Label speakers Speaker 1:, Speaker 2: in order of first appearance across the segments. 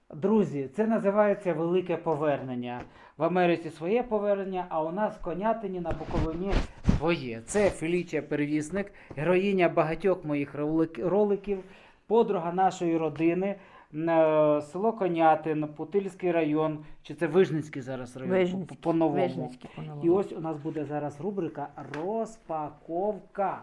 Speaker 1: Друзі, це називається велике повернення. В Америці своє повернення, а у нас в Конятині на Буковині своє. Це Фелічія Первісник, героїня багатьох моїх роликів, подруга нашої родини, село Конятин, Путильський район, чи це Вижницький зараз район,
Speaker 2: Вижницький,
Speaker 1: по-новому.
Speaker 2: Вижницький по-новому.
Speaker 1: І ось у нас буде зараз рубрика «Розпаковка».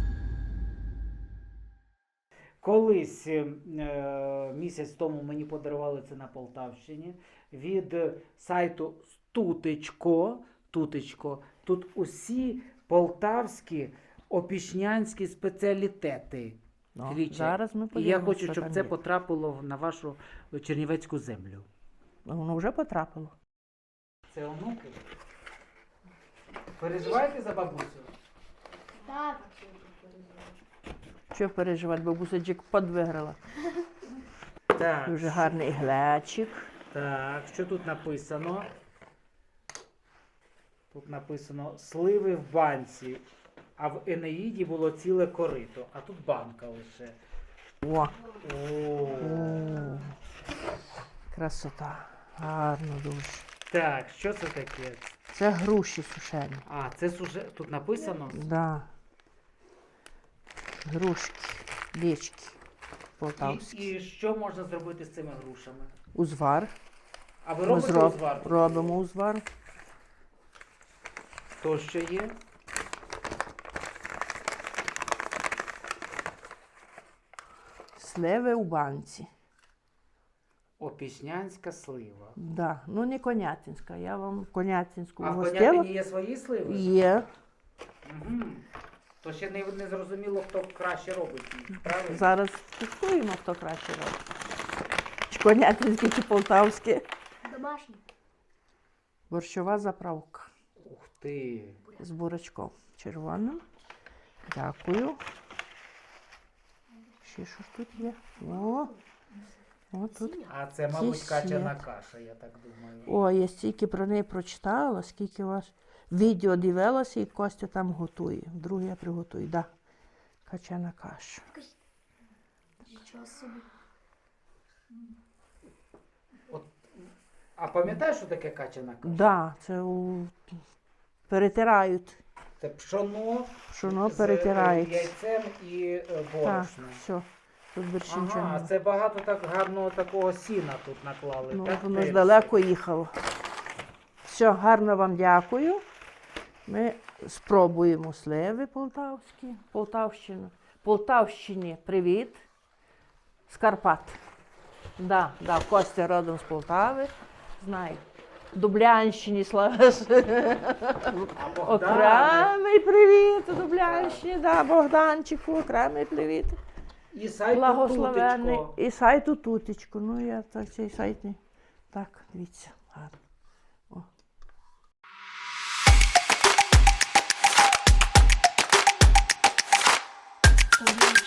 Speaker 1: Колись місяць тому мені подарували це на Полтавщині від сайту Тутечко. Тут усі полтавські опішнянські спеціалітети. Фелічія.
Speaker 2: Зараз ми
Speaker 1: І я
Speaker 2: подивимося,
Speaker 1: хочу,
Speaker 2: що
Speaker 1: щоб
Speaker 2: там
Speaker 1: це
Speaker 2: є.
Speaker 1: потрапило на вашу чернівецьку землю.
Speaker 2: Воно вже потрапило.
Speaker 1: Це онуки. Переживаєте за бабусю?
Speaker 3: Так.
Speaker 2: Що переживати, бабуся джекпот виграла.
Speaker 1: Так.
Speaker 2: Дуже гарний глечик.
Speaker 1: Так, що тут написано? Тут написано сливи в банці, а в Енеїді було ціле корито, а тут банка лише.
Speaker 2: О,
Speaker 1: О.
Speaker 2: красота. Гарно дуже.
Speaker 1: Так, що це таке?
Speaker 2: Це груші сушені.
Speaker 1: А, це тут написано?
Speaker 2: Да. Грушки, лічки полтавські.
Speaker 1: І що можна зробити з цими грушами?
Speaker 2: Узвар.
Speaker 1: А ви
Speaker 2: Ми
Speaker 1: робите узвар?
Speaker 2: робимо узвар.
Speaker 1: То що є?
Speaker 2: Сливи у банці.
Speaker 1: Опішнянська слива.
Speaker 2: Да. Ну не конятинська. Я вам конятинську
Speaker 1: А в
Speaker 2: гостила.
Speaker 1: Конятині є свої сливи?
Speaker 2: Є.
Speaker 1: Угу. То ще не зрозуміло, хто краще робить їх, правильно?
Speaker 2: Зараз тестуємо, хто краще робить. Чи конятинське, чи полтавське.
Speaker 3: Домашній.
Speaker 2: Борщова заправка
Speaker 1: Ух ти!
Speaker 2: з бурачком червоним. Дякую. Ще що ж тут є? О тут.
Speaker 1: А це, мабуть,
Speaker 2: Кисет.
Speaker 1: качана каша, я так думаю.
Speaker 2: О, я стільки про неї прочитала, скільки вас відео дивилася, і Костя там готує. Вдруге я приготую. Да. Качана каша.
Speaker 3: Нічого собі.
Speaker 1: А пам'ятаєш, що таке качана каша?
Speaker 2: Да, це перетирають.
Speaker 1: Це пшоно
Speaker 2: Пшоно
Speaker 1: з
Speaker 2: перетирають.
Speaker 1: яйцем і
Speaker 2: Так,
Speaker 1: борошном.
Speaker 2: все. Тут більше нічого
Speaker 1: Ага,
Speaker 2: немає.
Speaker 1: це багато так гарного такого сіна тут наклали.
Speaker 2: Ну,
Speaker 1: так,
Speaker 2: воно ж
Speaker 1: теж?
Speaker 2: далеко їхало. Все, гарно вам дякую. Ми спробуємо сливи полтавські. Полтавщині привіт. З Карпат. Да, Костя родом з Полтави. Знаю. Дублянщині слава.
Speaker 1: А Богдане?
Speaker 2: Окремий привіт Дублянщині. Да, Богданчику, окремий привіт.
Speaker 1: І сайт
Speaker 2: Благословенний.
Speaker 1: Тутечко.
Speaker 2: І сайту Тутечко. Ну, я так цей сайт не... Так, дивіться, гарно. О.